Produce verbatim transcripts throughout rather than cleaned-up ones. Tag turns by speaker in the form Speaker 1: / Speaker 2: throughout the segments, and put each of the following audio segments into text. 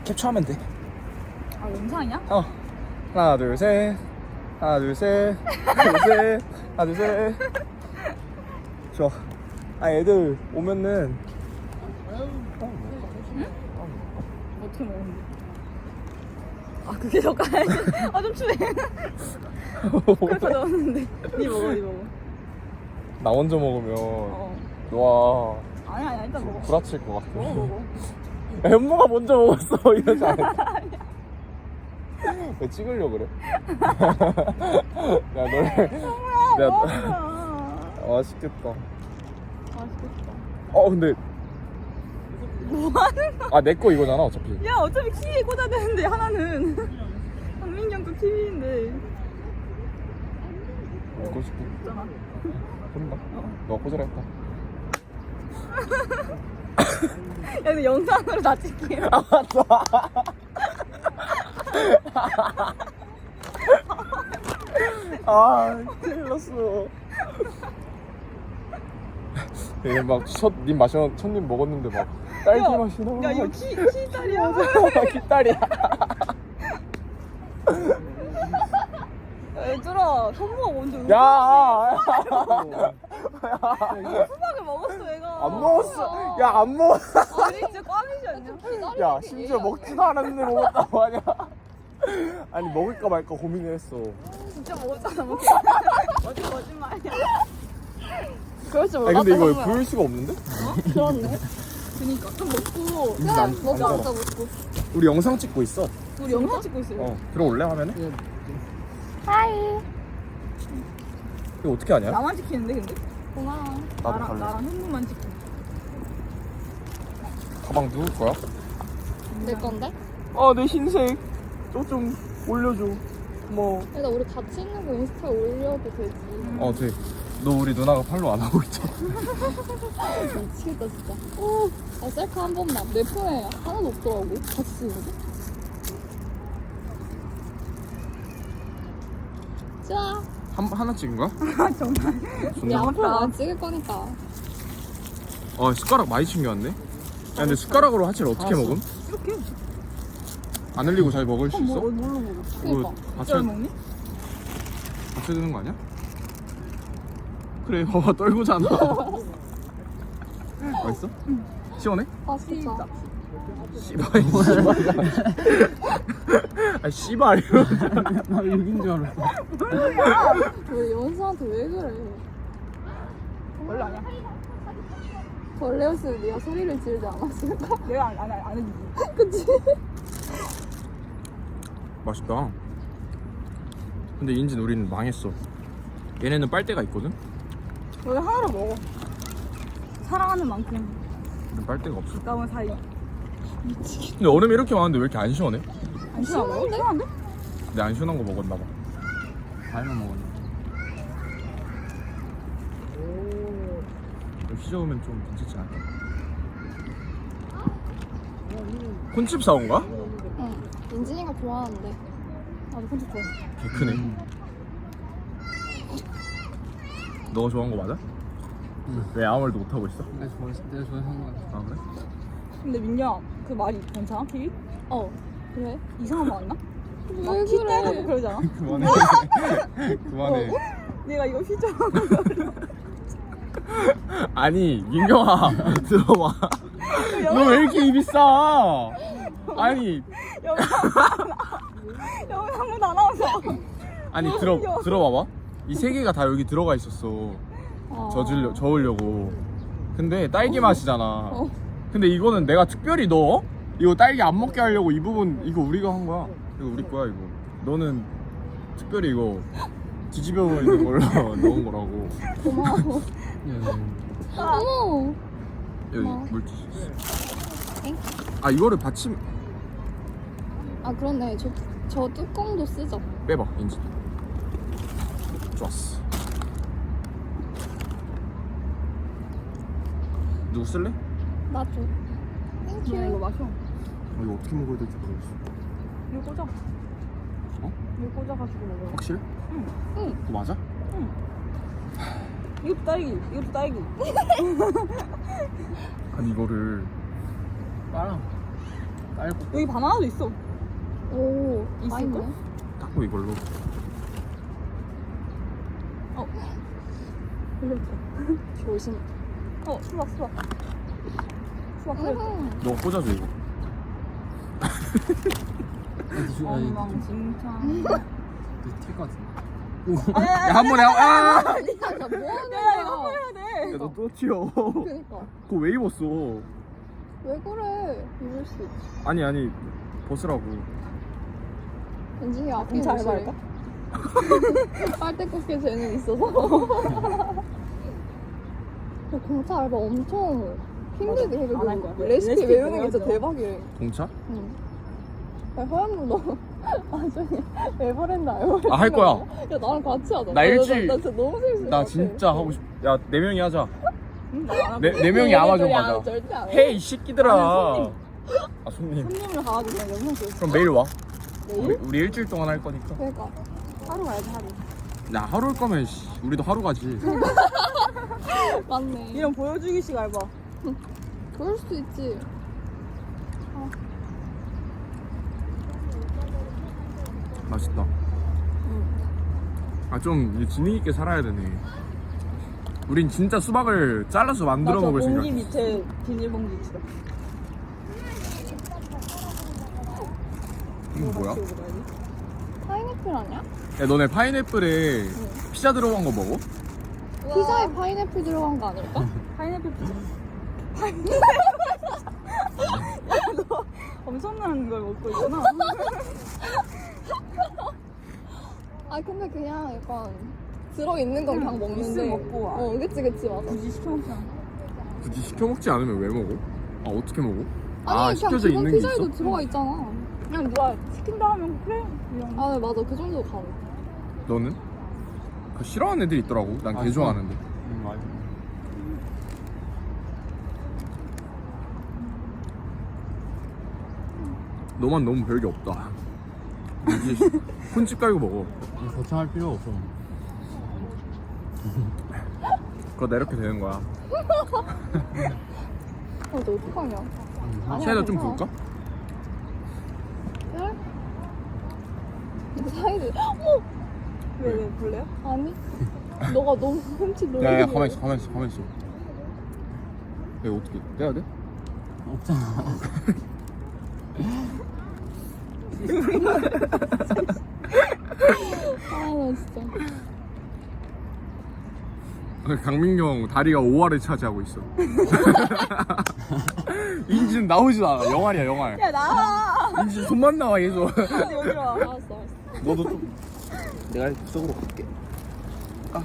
Speaker 1: 캡처하면 돼.
Speaker 2: 아 영상이야?
Speaker 1: 어. 하나 둘 셋. 하나 둘 셋. 하나 둘 셋. 하나 둘 셋. 좋아. 아 애들 오면은.
Speaker 2: 어떻게 먹었는데? 아 그게 더 까야지. 아좀 추해. 그걸 가져왔는데. 니 먹어 니 먹어.
Speaker 1: 나 먼저 먹으면
Speaker 2: 어.
Speaker 1: 와
Speaker 2: 아니야 아니야 일단 먹어.
Speaker 1: 구라칠 것 같아.
Speaker 2: 먹어 먹어.
Speaker 1: 야, 현모가 먼저 먹었어 이러지 않았어. 왜 찍으려고 그래? 야 너를 내가
Speaker 2: 먹어.
Speaker 1: 맛있겠다.
Speaker 2: 맛있겠다.
Speaker 1: 어 근데
Speaker 2: 뭐하는 거야?
Speaker 1: 아 내 거 이거잖아 어차피.
Speaker 2: 야 어차피 키위에 꽂아야 되는데 하나는 한민경 거 키위인데
Speaker 1: 먹고 싶게.
Speaker 2: 있잖아.
Speaker 1: 혼나. 너가 꽂으라 했다.
Speaker 2: 야 근데 영상으로 다 찍게.
Speaker 1: 아 맞다. 아 큰일 났어. 얘 막첫님 마셔 첫님 먹었는데 막 딸기
Speaker 2: 야,
Speaker 1: 맛이 나.
Speaker 2: 야 이거 키, 키딸이야.
Speaker 1: 기딸이야.
Speaker 2: 얘들아 선무가 먼저
Speaker 1: 야.
Speaker 2: 수박을 먹었어 얘가.
Speaker 1: 안 먹었어. 야 안 먹었어.
Speaker 2: 아니 진짜 꽝이지 않냐?
Speaker 1: 야 심지어 먹지도 않았는데 먹었다고 하냐. 아니 먹을까 말까 고민을 했어.
Speaker 2: 진짜 먹었잖아 뭐. 어디 거짓말이야. 그럴 줄
Speaker 1: 아니
Speaker 2: 몰랐다.
Speaker 1: 근데 이거
Speaker 2: 선무야.
Speaker 1: 보일 수가 없는데?
Speaker 2: 그렇네. 그니까 좀 먹고
Speaker 1: 음, 안- 안
Speaker 2: 먹자
Speaker 1: 먹어.
Speaker 2: 먹자 먹고.
Speaker 1: 우리 영상 찍고 있어.
Speaker 2: 우리 영상 찍고 있어요.
Speaker 1: 어 들어올래 화면에?
Speaker 2: 하이.
Speaker 1: 이거 어떻게 하냐?
Speaker 2: 나만 찍히는데 근데?
Speaker 3: 고마워.
Speaker 1: 나도
Speaker 2: 나랑
Speaker 1: 갈래.
Speaker 2: 나랑 현무만 찍고.
Speaker 1: 가방 누구 거야?
Speaker 3: 내 건데?
Speaker 1: 아 내 흰색. 저 좀 올려줘. 뭐.
Speaker 3: 일단 우리 같이 있는 거 인스타에 올려도 되지.
Speaker 1: 어 돼. 너 우리 누나가 팔로우 안 하고 있잖아.
Speaker 3: 미치겠다 진짜. 오, 아 셀카 한 번만. 내 폰에 하나도 없더라고. 같이 쓰는 거. 자,
Speaker 1: 한 하나 찍은 거야?
Speaker 2: 아 정말.
Speaker 3: 우리
Speaker 1: 존나.
Speaker 3: 앞으로 안 찍을 거니까.
Speaker 1: 아 숟가락 많이 챙겨왔네. 야 근데 숟가락으로 하체를 어떻게
Speaker 3: 알았어.
Speaker 1: 먹음?
Speaker 2: 이렇게.
Speaker 1: 안 흘리고 잘 먹을 수
Speaker 2: 어, 뭐,
Speaker 1: 있어?
Speaker 2: 뭘로 먹어?
Speaker 3: 그니까.
Speaker 1: 이거
Speaker 2: 어쩔
Speaker 1: 받쳐
Speaker 2: 먹니?
Speaker 1: 받쳐 되는 거 아니야? 그래 봐봐 떨고잖아. 맛있어? 시원해?
Speaker 3: 아 진짜.
Speaker 1: 씨발 씨발. 아 씨발
Speaker 4: 나 여긴 줄 알았어.
Speaker 3: 왜 연수한테 왜 그래?
Speaker 2: 원래 아니야.
Speaker 3: 벌레였으면 네가 소리를 지르지 않았을까?
Speaker 2: 내가 안, 안, 안 해주지.
Speaker 3: 그치?
Speaker 1: 맛있다. 근데 인진 우리는 망했어. 얘네는 빨대가 있거든?
Speaker 2: 원래 하나로 먹어. 사랑하는 만큼
Speaker 1: 근데 빨대가 없어.
Speaker 2: 가까운 사이.
Speaker 1: 근데 얼음이 이렇게 많은데 왜 이렇게 안 시원해?
Speaker 2: 안 시원하고?
Speaker 3: 시원한데?
Speaker 2: 시원한데?
Speaker 1: 근데 안 시원한 거 먹었나 봐.
Speaker 4: 과일만 먹었네.
Speaker 1: 휘저으면 좀 괜찮지 않을까? 콘칩 사온 거야?
Speaker 3: 응. 인진이가 좋아하는데.
Speaker 2: 나도 콘셉 좋아해.
Speaker 1: 개 크네. 너가 좋아한 거 맞아?
Speaker 4: 응.
Speaker 1: 왜 아무 말도 못 하고 있어?
Speaker 4: 내가 좋아해서 내가 좋아해서 한 거야.
Speaker 1: 아 그래?
Speaker 2: 근데 민야 그 말이 괜찮아? 키위?
Speaker 3: 어. 그래?
Speaker 2: 이상한 거 맞나?
Speaker 3: 왜
Speaker 2: 막 키
Speaker 3: 그래?
Speaker 2: 때리고 그러잖아.
Speaker 1: 그만해. 그만해.
Speaker 2: 내가 이거 휘저.
Speaker 1: 아니 민경아 들어봐. 너 왜 이렇게 입이 싸? 아니
Speaker 2: 영상보다 안 나와서.
Speaker 1: 아니 들어 들어봐봐. 이 세 개가 다 여기 들어가 있었어.
Speaker 3: 어.
Speaker 1: 젖으려 저으려고. 근데 딸기 맛이잖아.
Speaker 3: 어.
Speaker 1: 근데 이거는 내가 특별히 넣어? 이거 딸기 안 먹게 하려고 이 부분 이거 우리가 한 거야. 이거 우리 거야 이거. 너는 특별히 이거 뒤집어 있는 걸로 넣은 거라고.
Speaker 3: 고마워.
Speaker 4: 야,
Speaker 3: 어머.
Speaker 1: 여기
Speaker 3: 고마워.
Speaker 1: 물티슈 있어.
Speaker 3: 엥?
Speaker 1: 아 이거를 받침
Speaker 3: 아 그렇네. 저, 저 뚜껑도 쓰죠.
Speaker 1: 빼봐 인지. 좋았어. 누구 쓸래?
Speaker 3: 나 줘.
Speaker 2: 나 이거
Speaker 3: 땡큐.
Speaker 2: 마셔.
Speaker 1: 아, 이거 어떻게 먹어야 될지 모르겠어.
Speaker 2: 이거 꽂아.
Speaker 1: 어?
Speaker 2: 이거 꽂아가지고 먹어.
Speaker 1: 확실해?
Speaker 2: 응.
Speaker 3: 응.
Speaker 1: 그거 맞아?
Speaker 2: 이것도 딸기. 이것도 딸기.
Speaker 1: 아니 이거를
Speaker 4: 빨아. 깔고.
Speaker 2: 여기 바나나도 있어.
Speaker 3: 오,
Speaker 2: 있을까?
Speaker 3: 다 있네.
Speaker 1: 닦고 이걸로.
Speaker 2: 어. 흘렸다.
Speaker 3: 조심.
Speaker 2: 어, 수박, 수박. 수박 흘렸다.
Speaker 3: 음.
Speaker 1: 너 꽂아줘 이거.
Speaker 2: 엉망진창.
Speaker 4: 튈것 같은데.
Speaker 1: 야 한 번에 하- 아!
Speaker 3: 야, 뭐 하는
Speaker 2: 야, 이거
Speaker 3: 거야?
Speaker 2: 해야 돼.
Speaker 1: 야 너 또 튀어.
Speaker 3: 그니까.
Speaker 1: 그거 왜 입었어?
Speaker 3: 왜 그래? 입을 수 있지.
Speaker 1: 아니 아니 벗으라고.
Speaker 3: 왠지 이게 앞에
Speaker 2: 공차
Speaker 3: 옷이래.
Speaker 2: 알바할까?
Speaker 3: 빨대 꽂게 재능 있어서. 야, 공차 알바 엄청 힘들게 해.
Speaker 2: 안할 거야.
Speaker 3: 그 레시피
Speaker 2: 레시피
Speaker 3: 외우는 게 진짜
Speaker 2: 외워야죠.
Speaker 3: 대박이래.
Speaker 1: 공차?
Speaker 3: 응. 야, 허연무 너 나중에 에버랜드 알고
Speaker 1: 아, 할 거야.
Speaker 3: 야, 나랑 같이 하자.
Speaker 1: 나 일주일-
Speaker 3: 나, 나 진짜 너무 재밌을 것
Speaker 1: 나
Speaker 3: 같아.
Speaker 1: 진짜 하고 싶. 야 네 명이 하자.
Speaker 2: 응, 나안 하고.
Speaker 1: 네, 네 명이 아마존
Speaker 3: 야,
Speaker 1: 가자.
Speaker 3: 절대 안 해.
Speaker 1: 헤이 이 새끼들아.
Speaker 2: 아니,
Speaker 1: 아 손님.
Speaker 2: 손님을 가가지고 그냥 영상 찍었어.
Speaker 1: 그럼 매일 와.
Speaker 3: 내일?
Speaker 1: 우리, 우리 일주일 동안 할 거니까.
Speaker 3: 그러니까.
Speaker 2: 하루 가야지, 하루.
Speaker 1: 나 하루 올 거면 씨, 우리도 하루 가지.
Speaker 3: 맞네.
Speaker 2: 이런 보여주기식 알바.
Speaker 3: 그럴 수도 있지.
Speaker 1: 맛있다. 아 좀 지능 있게 살아야 되네. 우린 진짜 수박을 잘라서 만들어 먹을 생각.
Speaker 2: 공기 밑에 비닐봉지 있어.
Speaker 1: 이거 뭐야?
Speaker 3: 파인애플 아니야?
Speaker 1: 야 너네 파인애플에 피자 들어간 거 먹어?
Speaker 3: 피자에 파인애플 들어간 거 아닐까?
Speaker 2: 파인애플 피자. 너 엄청난 걸 먹고 있구나.
Speaker 3: 아 근데 그냥 약간 들어있는 건 그냥 먹는데.
Speaker 2: 있으면 먹고 와.
Speaker 3: 어 그치 그치 맞아.
Speaker 2: 굳이 시켜 먹지 않아.
Speaker 1: 굳이 시켜 먹지 않으면 왜 먹어? 아 어떻게 먹어?
Speaker 3: 아니
Speaker 1: 아
Speaker 3: 그냥
Speaker 1: 시켜져
Speaker 3: 기본
Speaker 1: 있는 게
Speaker 3: 피자에도
Speaker 1: 있어?
Speaker 2: 음.
Speaker 3: 들어가 있잖아.
Speaker 2: 그냥 누가 시킨다 하면 그래. 이런.
Speaker 3: 아 네, 맞아 그 정도 가능.
Speaker 1: 너는? 그 싫어하는 애들 있더라고. 난 개
Speaker 4: 아,
Speaker 1: 좋아하는데.
Speaker 4: 응 맞아.
Speaker 1: 너만 너무 별게 없다. 이제 혼집 깔고 먹어.
Speaker 4: 거창할 필요 없어.
Speaker 1: 그거 나 이렇게 되는 거야.
Speaker 3: 어, 너 어떡하냐? 아니야,
Speaker 1: 사이다 좀
Speaker 3: 괜찮아.
Speaker 1: 부을까?
Speaker 3: 그래? 이거 사이드. 어머!
Speaker 2: 왜, 왜, 볼래요?
Speaker 3: 아니. 너가 너무 훔치 놀래.
Speaker 1: 야야 가만히 있어 가만히 있어 가만히 있어. 이거 어떻게 떼야 돼?
Speaker 4: 없잖아.
Speaker 3: 아나 진짜.
Speaker 1: 강민경 다리가 오 알을 차지하고 있어. 인지는 나오지도 않아. 영알이야 영알.
Speaker 2: 야, 나와!
Speaker 1: 인지 손만 나와 계속.
Speaker 2: 어디, 어디 와.
Speaker 3: 알았어 알았어.
Speaker 1: 너도 좀. 내가 이쪽으로 갈게. 아.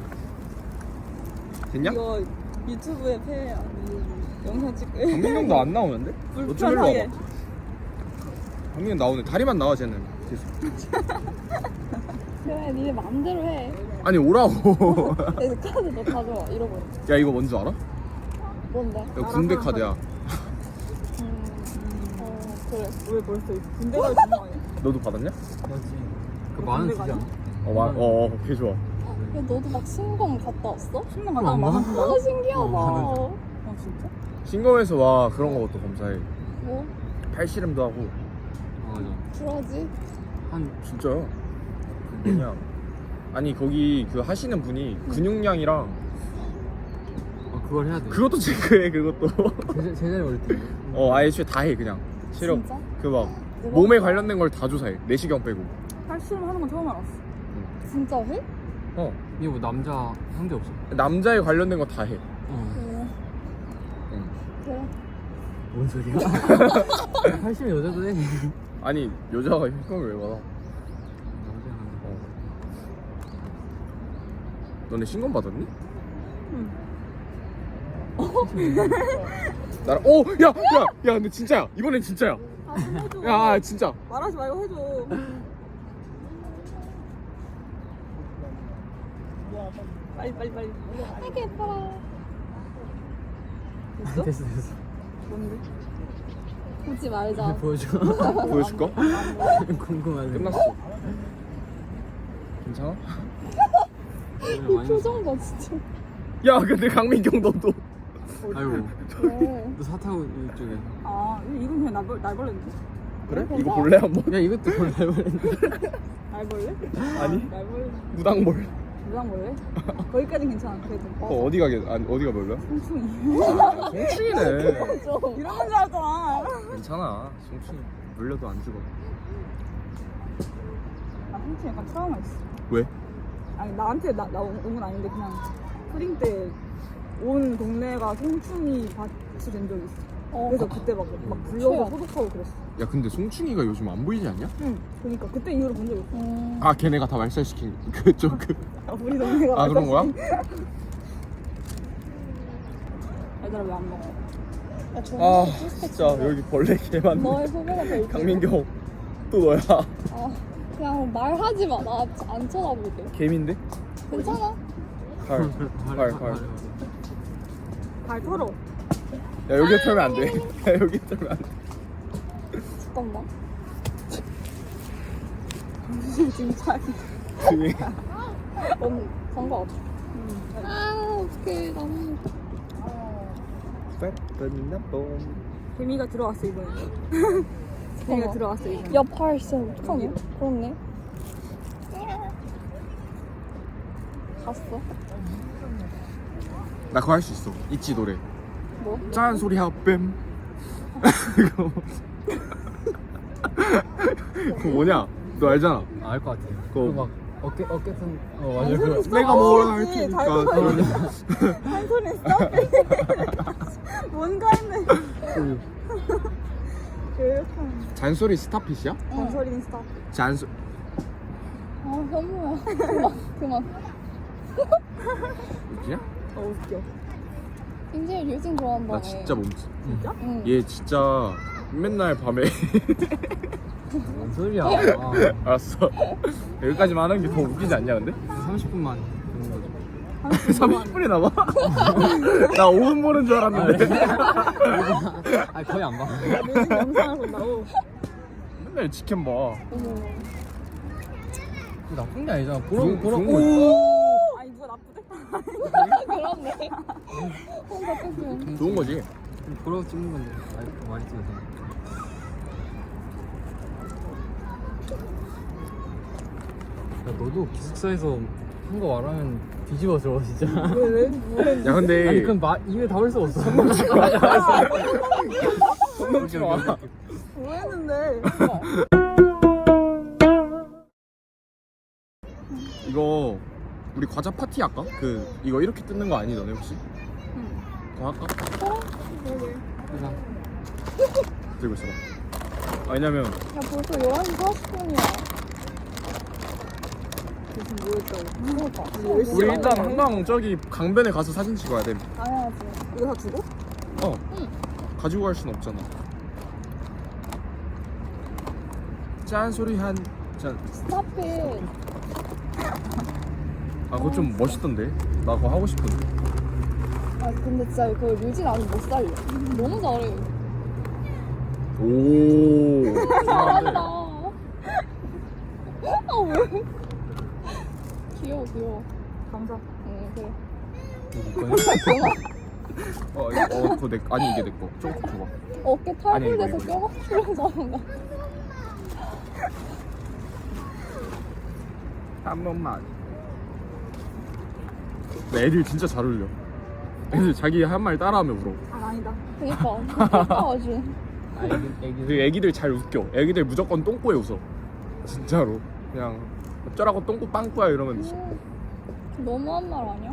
Speaker 1: 됐냐?
Speaker 2: 이거 유튜브에 폐 영상 찍고.
Speaker 1: 강민경도 안 나오는데? 너 좀 일로
Speaker 2: 불편하게.
Speaker 1: 와봐. 강민경 나오네. 다리만 나와 쟤는. 계속.
Speaker 3: 그래 니네 마음대로 해.
Speaker 1: 아니 오라고.
Speaker 3: 내 카드 너 가져와 잃어버려.
Speaker 1: 야 이거 뭔지 알아?
Speaker 3: 뭔데?
Speaker 1: 이거 군대 카드야.
Speaker 3: 음. 어 그래.
Speaker 2: 왜 벌써 군대 가서 주는 거 아니야?
Speaker 1: 너도 받았냐?
Speaker 4: 그렇지. 그 만원 주지 않아?
Speaker 1: 어, 마, 어, 어, 개 좋아.
Speaker 3: 야 너도 막 신검 갔다 왔어?
Speaker 2: 신문 갔다
Speaker 4: 안
Speaker 2: 만 원
Speaker 4: 받아?
Speaker 2: 준다고?
Speaker 3: 아 신기하다.
Speaker 4: 어,
Speaker 2: 아, 진짜?
Speaker 1: 신검에서 와 그런 것도 검사해.
Speaker 3: 뭐?
Speaker 1: 팔씨름도 하고.
Speaker 4: 어, 맞아.
Speaker 3: 그러지?
Speaker 4: 한
Speaker 1: 진짜요? 그 뭐냐? 아니 거기 그 하시는 분이 근육량이랑
Speaker 4: 어, 그걸 해야 돼.
Speaker 1: 그것도 체크해 그것도.
Speaker 4: 제자, 제자리 올릴 때.
Speaker 1: 어 아예 애초에 다 해 그냥. 체력
Speaker 3: 진짜?
Speaker 1: 그 막
Speaker 3: 대박.
Speaker 1: 몸에 관련된 걸 다 조사해. 내시경 빼고.
Speaker 2: 팔씨름 하는 건 처음 알았어.
Speaker 3: 진짜 해?
Speaker 1: 어
Speaker 4: 이게 뭐 남자 상대 없어.
Speaker 1: 남자에 관련된 거 다 해.
Speaker 4: 어.
Speaker 3: 어
Speaker 1: 응.
Speaker 3: 그래.
Speaker 4: 뭔 소리야? 팔십은 여자도 해.
Speaker 1: 아니 여자가 혈액을 왜 받아?
Speaker 4: 남자는.
Speaker 1: 어. 너네 신검 받았니?
Speaker 2: 응.
Speaker 1: 나랑 오! 야! 야! 야 근데 진짜야 이번엔 진짜야.
Speaker 2: 아, 좀 해줘.
Speaker 1: 야 아, 진짜.
Speaker 2: 말하지 말고 해줘. 빨리, 빨리, 빨리.
Speaker 3: 되게 예뻐라.
Speaker 2: 됐어?
Speaker 4: 됐어 됐어.
Speaker 2: 뭔데?
Speaker 3: 보지 말자.
Speaker 4: 보여줘.
Speaker 1: 보여줄까?
Speaker 4: 궁금하네.
Speaker 1: 끝났어. 괜찮아?
Speaker 3: 이 표정 봐 진짜.
Speaker 1: 야 근데 강민경 너도
Speaker 4: 아이고
Speaker 3: 왜?
Speaker 4: 너 사타구 이쪽에
Speaker 2: 아 이건 그냥 날벌, 날벌레인데?
Speaker 1: 그래? 이거 볼래 한번?
Speaker 4: 야 이것도 뭘 해버렸는데
Speaker 2: 날벌레?
Speaker 1: 아니
Speaker 2: 날벌레
Speaker 1: 무당볼.
Speaker 2: 무당벌레? 거기까진 괜찮아 그래도
Speaker 1: 어 어디 가게? 아니 어디가 별로야?
Speaker 2: 송충이
Speaker 1: 송충이네.
Speaker 3: 좀.
Speaker 2: 이런 건 줄 알았잖아
Speaker 1: 괜찮아. 송충이 물려도 안 죽어.
Speaker 2: 나 송충이 약간 트라우마 있어
Speaker 1: 왜?
Speaker 2: 아니 나한테 나, 나 온 건 아닌데 그냥 푸딩 때 온 동네가 송충이 밭이 된 적이 있어
Speaker 3: 어.
Speaker 2: 그래서 그때 막, 막 불려서
Speaker 3: 최악.
Speaker 2: 소독하고 그랬어
Speaker 1: 야 근데 송충이가 요즘 안 보이지 않냐?
Speaker 2: 응 그니까 그때 이후로 본 적 있어
Speaker 3: 음.
Speaker 1: 아 걔네가 다 말살시킨 그쪽 그.
Speaker 2: 아, 우리 동네가
Speaker 1: 아 그런 거야?
Speaker 2: 얘들아 왜 안 먹어?
Speaker 3: 야, 저
Speaker 1: 아
Speaker 3: 진짜
Speaker 1: 진짜 여기 벌레 개 많네.
Speaker 3: 너의 후배가 될
Speaker 1: 강민경 또 너야.
Speaker 3: 아, 그냥 말하지 마. 나 안 쳐다보게.
Speaker 1: 개미인데?
Speaker 3: 괜찮아?
Speaker 1: 발. 발, 발.
Speaker 2: 발 털어
Speaker 1: 야 여기에 털면 안 돼. 야 여기에 털면 안 돼.
Speaker 3: 잠깐만.
Speaker 2: 진짜
Speaker 1: 등에.
Speaker 3: 넌 상관없어. 아, 어떡해. 나는.
Speaker 2: 개미가 들어왔어 이번에 개미가 들어왔어 이번에
Speaker 3: 야, 팔 진짜 어떡하냐? 그렇네. 갔어?
Speaker 1: 나 그거 할 수 있어. 있지 노래.
Speaker 3: 뭐?
Speaker 1: 짠 소리 하뱀. 그거 그거 뭐냐? 너 알잖아.
Speaker 4: 알 것 같아.
Speaker 1: 그거.
Speaker 4: 그거 막 어깨 어깨선 어 맞아
Speaker 2: 잔소리
Speaker 4: 그거.
Speaker 2: 있어.
Speaker 1: 내가 뭘 할
Speaker 2: 알지.
Speaker 1: 테니까.
Speaker 2: 잔소리. 잔소리 했어? 뭔가 했네 이렇게 하는
Speaker 1: 잔소리 스타핏이야?
Speaker 2: 잔소리는 스탑
Speaker 1: 잔소.
Speaker 3: 아, 현무야. 그만, 그만.
Speaker 1: 웃기냐?
Speaker 2: 어 웃겨
Speaker 3: 굉장히 류진 좋아한다.
Speaker 1: 나 진짜 몸치.
Speaker 2: 진짜?
Speaker 3: 응.
Speaker 1: 얘 진짜 맨날 밤에.
Speaker 4: 뭔 소리야? 아,
Speaker 1: 알았어. 여기까지만 하는 게 더 웃기지 않냐 근데?
Speaker 4: 삼십 분만 보는 거지.
Speaker 1: 삼십 분이 남아? 나 오 분 보는 줄 알았는데.
Speaker 4: 아 거의 안 봐.
Speaker 2: 요즘 영상을 본다고
Speaker 1: 맨날 치킨 봐.
Speaker 3: 어머.
Speaker 4: 그거 나쁜 게 아니잖아. 보러
Speaker 1: 좋은-
Speaker 4: 보러
Speaker 1: 좋은 거
Speaker 4: 오.
Speaker 2: 아니 누가 나쁘대?
Speaker 3: 그렇네. 혼자 뺏기면.
Speaker 1: 좋은 거지.
Speaker 4: 보러 찍는 건데 많이 많이 찍어서. 야 너도 기숙사에서 한 거 말하면 뒤집어 져 진짜.
Speaker 2: 왜 왜? 왜?
Speaker 1: 야 근데
Speaker 4: 아니 그럼 마, 입에 담을 수 없어.
Speaker 1: 손 넘지 마.
Speaker 2: 뭐 했는데?
Speaker 1: 이거 우리 과자 파티 할까? 그 이거 이렇게 뜯는 거 아니 너네 혹시?
Speaker 2: 응
Speaker 1: 그거 할까?
Speaker 2: 그러게
Speaker 1: 들고 있어봐. 아, 왜냐면
Speaker 3: 야, 벌써 열한 시 사십 분이야.
Speaker 2: 무슨 뭐 했다고
Speaker 3: 그러니까.
Speaker 1: 우리 일단 한강 저기 강변에 가서 사진 찍어야 돼.
Speaker 3: 가야지.
Speaker 2: 이거 다 주고?
Speaker 1: 어.
Speaker 3: 응.
Speaker 1: 가지고 갈 순 없잖아. 짠 소리 한 짠.
Speaker 3: 스탑잇.
Speaker 1: 아 그거 좀 멋있던데. 나 그거 하고 싶은데.
Speaker 3: 아, 근데 진짜 그거 류진 아직 못 살려. 너무 잘해.
Speaker 1: 오.
Speaker 3: 잘한다. 아, 왜? 귀여워, 귀여워.
Speaker 2: 감사
Speaker 3: 응, 그래.
Speaker 1: 어, 이거, 어, 그거 내 아니 이게 내 거. 조금 줘봐.
Speaker 3: 어깨
Speaker 1: 아니, 이거,
Speaker 3: 탈불돼서
Speaker 1: 이거.
Speaker 3: 뼈가 풀려서
Speaker 1: 한 번만. 근데 애들 진짜 잘 울려. 애들 자기 한 말 따라하면 울어.
Speaker 2: 아 아니다
Speaker 3: 그니까. 그니까 아주.
Speaker 4: 아 애기 애기.
Speaker 1: 그 애기들 잘 웃겨. 애기들 무조건 똥꼬에 웃어. 진짜로. 그냥 어쩌라고 똥꼬 빵꾸야 이러면
Speaker 3: 음, 너무한 말 아니야?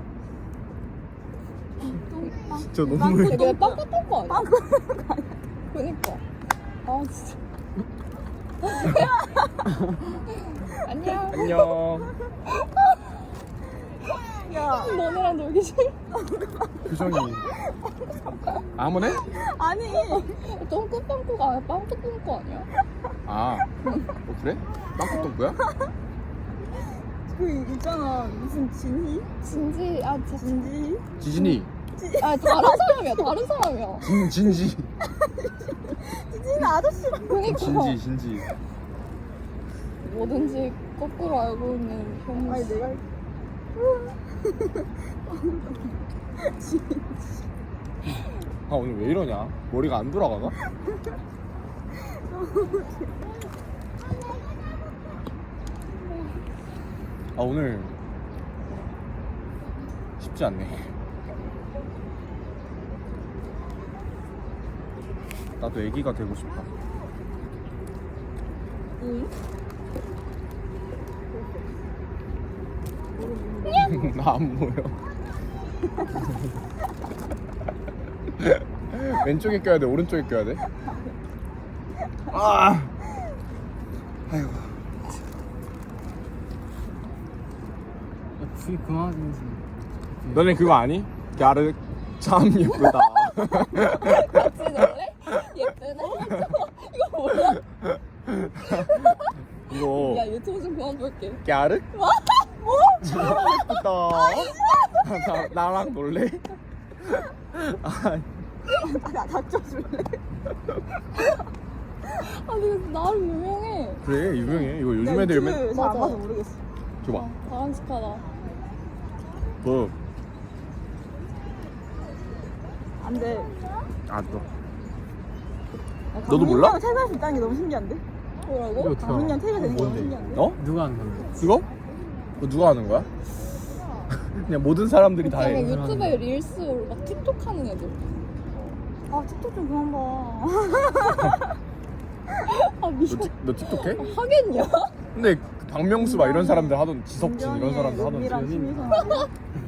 Speaker 1: 진짜 너무.
Speaker 3: 되게 빵꾸 똥꾸 아니야?
Speaker 2: 빵꾸
Speaker 3: 그니까. 아, 진짜. 안녕.
Speaker 1: 안녕.
Speaker 2: 야
Speaker 3: 너네랑 놀기 싫어.
Speaker 1: 규정이. 아, 한번 해?
Speaker 2: 아니
Speaker 3: 똥꾸 빵꾸가 아니야. 빵꾸 똥꾸 아니야?
Speaker 1: 아, 어, 그래? 빵꾸 똥꼬야?
Speaker 2: 그 있잖아 무슨 진희?
Speaker 3: 진지, 아, 진,
Speaker 2: 진지?
Speaker 1: 지진이.
Speaker 3: 아, 다른 사람이야. 다른 사람이야.
Speaker 1: 진, 진지.
Speaker 2: 진지는 아저씨랑
Speaker 3: 그니까.
Speaker 1: 진지, 진지.
Speaker 3: 뭐든지 거꾸로 알고 있는 현무
Speaker 2: 아니
Speaker 3: 씨.
Speaker 2: 내가 진지
Speaker 1: 아 오늘 왜 이러냐? 머리가 안 돌아가나? 아 오늘 쉽지 않네. 나도 애기가 되고 싶다.
Speaker 3: 응?
Speaker 1: 나 안 보여. 왼쪽에 껴야 돼, 오른쪽에 껴야 돼? 아, 아이고.
Speaker 4: 둘이 그만하지.
Speaker 1: 너네 그거 아니? 갸르 참 예쁘다.
Speaker 3: 같이 놀래? 예쁘네? 이거 뭐야?
Speaker 1: 이거
Speaker 3: 야 유튜브 좀 그만 볼게.
Speaker 1: 갸르? 뭐? 참 예쁘다. 나, 나랑 놀래? 아,
Speaker 2: 나 닥쳐줄래?
Speaker 3: 아 근데 나름 유명해.
Speaker 1: 그래 유명해. 이거 요즘 애들 맨
Speaker 2: 잘안
Speaker 3: 맞아.
Speaker 2: 봐서 모르겠어.
Speaker 1: 줘봐.
Speaker 3: 아, 바람직하다.
Speaker 1: 뭐?
Speaker 2: 안 돼.
Speaker 1: 아 너.
Speaker 2: 야,
Speaker 1: 너도 몰라?
Speaker 2: 강민이 형 퇴근할 수 있다는 게 너무 신기한데?
Speaker 3: 뭐라고?
Speaker 4: 이거 어떻게
Speaker 2: 강민이 형
Speaker 4: 알아?
Speaker 2: 퇴근 되는 게 너무
Speaker 4: 뭔데?
Speaker 2: 신기한데?
Speaker 1: 너?
Speaker 4: 누가 하는 건데?
Speaker 1: 그거? 그거 누가 하는 거야? 그냥 모든 사람들이 다
Speaker 3: 그냥
Speaker 1: 해.
Speaker 3: 유튜브에 릴스 올라 막 틱톡 하는 애들.
Speaker 2: 아 틱톡 좀 그만 봐.
Speaker 3: 아 미안.
Speaker 1: 너, 틱- 너 틱톡 해?
Speaker 3: 하겠냐?
Speaker 1: 근데 그 박명수 막 이런 사람들 하던 지석진 이런 사람들 하던
Speaker 2: 은밀한
Speaker 1: 연예인.
Speaker 2: 취미생활.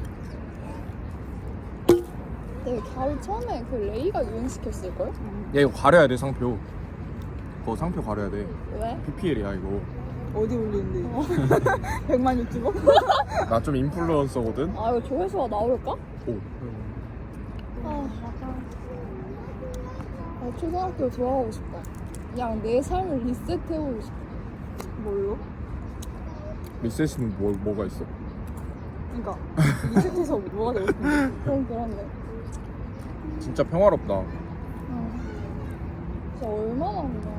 Speaker 3: 내가 겨울 처음에 그 레이가 유행시켰을걸?
Speaker 1: 야 이거 가려야 돼 상표. 그거 상표 가려야 돼.
Speaker 3: 왜?
Speaker 1: 피피엘이야 이거.
Speaker 2: 어디 올리는데? 백만 유튜버?
Speaker 1: 나 좀 인플루언서거든.
Speaker 3: 아 이거 조회수가 나올까?
Speaker 1: 오.
Speaker 3: 아, 아 초등학교 돌아가고 싶다. 그냥 내 삶을 리셋해보고 싶어.
Speaker 2: 뭘로?
Speaker 1: 리셋은 뭐 뭐가 있어?
Speaker 2: 그니까 리셋해서 뭐가 되고 싶은데?
Speaker 3: 그럼 그런데.
Speaker 1: 진짜 평화롭다.
Speaker 3: 어. 진짜 얼마나 그냥.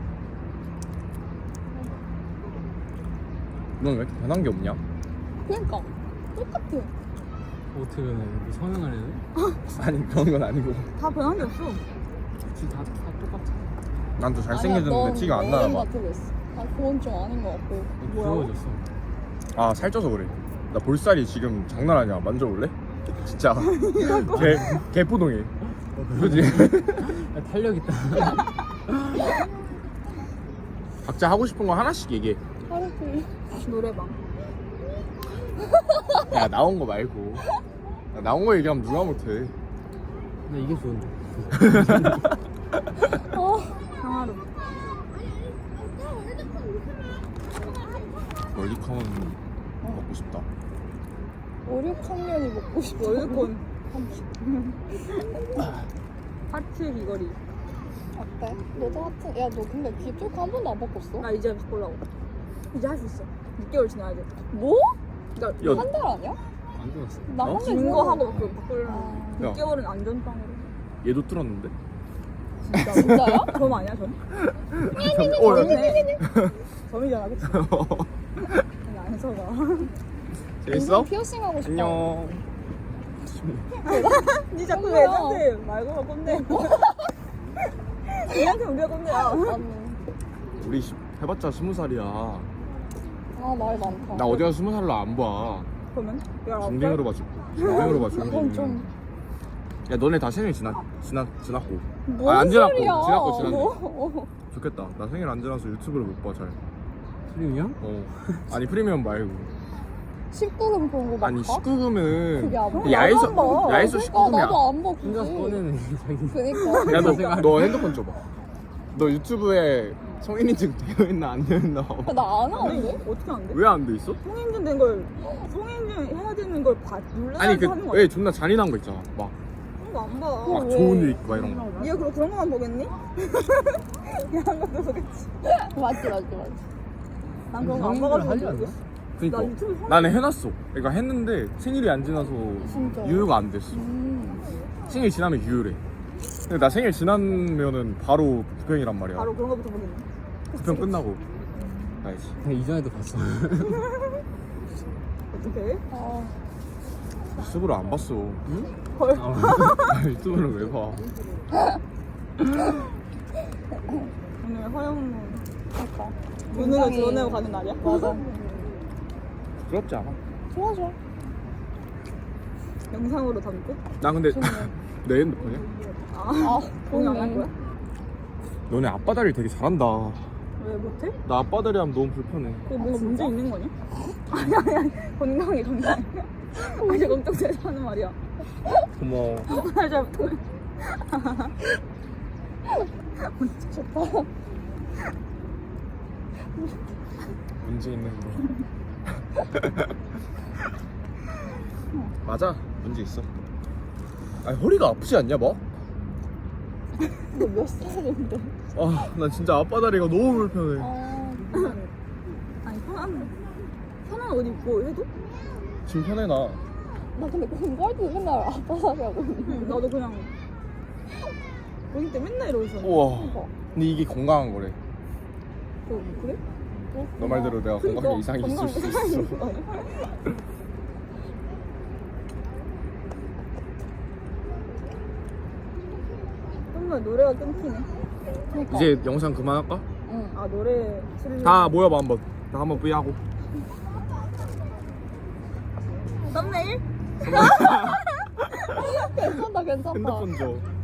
Speaker 1: 넌 왜 이렇게 변한 게 없냐?
Speaker 3: 그러니까 똑같아.
Speaker 4: 어떻게 변해? 뭐 성형을 해야 돼?
Speaker 1: 아니 그런 건 아니고.
Speaker 2: 다 변한 게 없어.
Speaker 4: 그치 다, 다 똑같아.
Speaker 1: 난 더 잘생겨졌는데 티가 안 나나 봐.
Speaker 3: 같아 보였어. 아 그건 좀 아닌 것 같고.
Speaker 4: 부러워졌어.
Speaker 1: 아 살쪄서 그래. 나 볼살이 지금 장난 아니야. 만져볼래? 진짜 개 개포동해. 그지?
Speaker 4: 야, 탄력 있다.
Speaker 1: 각자 하고 싶은 거 하나씩 얘기해.
Speaker 3: 하루 종일.
Speaker 2: 노래방.
Speaker 1: 야 나온 거 말고. 야, 나온 거 얘기하면 누가 못해.
Speaker 4: 근데 이게 좋은데.
Speaker 3: 어.
Speaker 2: 강화로.
Speaker 1: 월드컵은 먹고 싶다.
Speaker 3: 오, 육 학년이 먹고 싶어.
Speaker 2: 월드콘. 하트 귀걸이.
Speaker 3: 어때? 너도 하트. 야 너 근데 귀쪽 한 번도 안 바꿨어?
Speaker 2: 나 이제 바꾸려고. 이제 할 수 있어. 육 개월 지나야 돼.
Speaker 3: 뭐?
Speaker 2: 그러니까
Speaker 1: 야.
Speaker 3: 한 달 아니야?
Speaker 4: 안 좋았어.
Speaker 3: 나
Speaker 1: 어?
Speaker 3: 한 달
Speaker 2: 긴거 하고 그 바꾸려고.
Speaker 3: 아.
Speaker 1: 야.
Speaker 2: 육 개월은 안전빵으로.
Speaker 1: 얘도 뚫었는데?
Speaker 2: 진짜.
Speaker 3: 진짜야?
Speaker 2: 점 아니야 점?
Speaker 1: 어, 야.
Speaker 2: 점이네. 점이잖아 그치? 아니 안서가.
Speaker 1: 재밌어?
Speaker 3: 피어싱 하고 싶어.
Speaker 1: 안녕.
Speaker 2: 니 자꾸
Speaker 3: 뭐야?
Speaker 2: 왜 저한테 말고만 꼰대. 니한테 우리가 꼰대야.
Speaker 3: 맞네.
Speaker 1: 우리 시- 해봤자 스무 살이야.
Speaker 3: 아 말 많다.
Speaker 1: 나 어디 가서 스무 살로 안 봐.
Speaker 2: 그러면? 야,
Speaker 1: 중딩으로 봐. 중- 중딩으로 봐.
Speaker 3: 그건
Speaker 1: 중딩.
Speaker 3: 좀.
Speaker 1: 야 너네 다 생일 지났 지났 지났고.
Speaker 3: 뭔
Speaker 1: 아, 안 지났고.
Speaker 3: 소리야.
Speaker 1: 지났고, 지났네.
Speaker 3: 어.
Speaker 1: 좋겠다. 나 생일 안 지나서 유튜브를 못 봐 잘.
Speaker 4: 프리미엄?
Speaker 1: 어. 아니 프리미엄 말고.
Speaker 3: 십구 금 그런 거 봐?
Speaker 1: 아니 십구 금은
Speaker 3: 그게 안 봐.
Speaker 1: 야에서
Speaker 2: 나도 안 봐.
Speaker 1: 야에서
Speaker 3: 그러니까
Speaker 1: 십구 금이야.
Speaker 3: 나도 안 봐. 굳이.
Speaker 4: 혼자서 꺼내는 자기.
Speaker 3: 그니까.
Speaker 1: 야, 너,
Speaker 4: 생각-
Speaker 1: 너 핸드폰 줘봐. 너 유튜브에 성인 인증 되어 있나 안 되어 있나?
Speaker 3: 나 안 하는데?
Speaker 2: 어떻게 안 돼?
Speaker 1: 왜 안 돼 있어?
Speaker 2: 성인증 된 걸 성인증 해야 되는 걸 봐. 눌러야
Speaker 1: 아니
Speaker 2: 하는
Speaker 1: 그
Speaker 2: 거
Speaker 1: 왜 존나 잔인한 거 있잖아. 막,
Speaker 2: 그런 거 안 봐.
Speaker 3: 어,
Speaker 1: 막
Speaker 3: 왜?
Speaker 1: 좋은 일 있고 막 이런 거.
Speaker 2: 니가 그럼 그런 거만 보겠니? 야한 것도 보겠지.
Speaker 3: 맞지 맞지 맞지.
Speaker 2: 난 그런 거 안
Speaker 4: 성인들
Speaker 2: 봐가지고
Speaker 4: 하지 않나?
Speaker 2: 모르겠어.
Speaker 1: 그니까
Speaker 2: 나 유튜브 성-
Speaker 1: 나는 해놨어. 그러니까 했는데 생일이 안 지나서
Speaker 3: 진짜.
Speaker 1: 유효가 안 됐어.
Speaker 3: 음.
Speaker 1: 생일 지나면 유효래. 근데 나 생일 지나면은 바로 부평이란 말이야.
Speaker 2: 바로 그런 거부터 보겠네.
Speaker 1: 부평 끝나고 가야지.
Speaker 4: 내가 이전에도 봤어.
Speaker 2: 어떻게?
Speaker 3: 아.
Speaker 1: 유튜브를 안 봤어.
Speaker 2: 헐.
Speaker 1: 아, 유튜브를 왜 봐?
Speaker 2: 오늘 허영무
Speaker 3: 그러니까.
Speaker 2: 무능을
Speaker 3: 굉장히-
Speaker 2: 드러내고 가는 날이야?
Speaker 3: 맞아.
Speaker 1: 부끄럽지 않아?
Speaker 3: 좋아 좋아.
Speaker 2: 영상으로 담고?
Speaker 1: 나 근데
Speaker 3: 좋네.
Speaker 1: 내 핸드폰이야?
Speaker 2: 아,
Speaker 3: 아
Speaker 2: 공유 안 할
Speaker 3: 그러네.
Speaker 2: 거야?
Speaker 1: 너네 앞바다리 되게 잘한다.
Speaker 2: 왜 못해?
Speaker 1: 나 앞바다리 하면 너무 불편해.
Speaker 2: 그거 뭔가 문제 있는 거냐? 아니 아니 아니 건강해 건강해. 이제 걱정돼서 하는 말이야.
Speaker 1: 고마워.
Speaker 2: 잘 잘못해.
Speaker 3: 좋다.
Speaker 1: 문제 있는 거. 맞아. 문제 있어. 아니 허리가 아프지 않냐 뭐?
Speaker 3: 너 몇 살인데?
Speaker 1: 아, 나 진짜 앞바다리가 너무 불편해.
Speaker 3: 아
Speaker 2: 아니 편한 편한 옷 입고 해도?
Speaker 1: 지금 편해 나.
Speaker 3: 나 근데 공부할때 맨날 아빠살이 하고 있는데.
Speaker 2: 나도 그냥 고딩 때 맨날 이러고 있었는데.
Speaker 1: 우와.
Speaker 3: 그러니까.
Speaker 1: 근데 이게 건강한 거래.
Speaker 2: 어, 그래?
Speaker 1: 너 말대로 내가 건강에 이상이 있을 수 있어.
Speaker 2: 정말 노래가 끊기네.
Speaker 3: 그러니까.
Speaker 1: 이제 영상 그만할까?
Speaker 3: 응.
Speaker 2: 아 노래 틀을
Speaker 1: 다 모여봐 한번. 다 한번 V 하고.
Speaker 2: 썸네일?
Speaker 3: 괜찮다 괜찮다.
Speaker 1: 핸드폰 줘.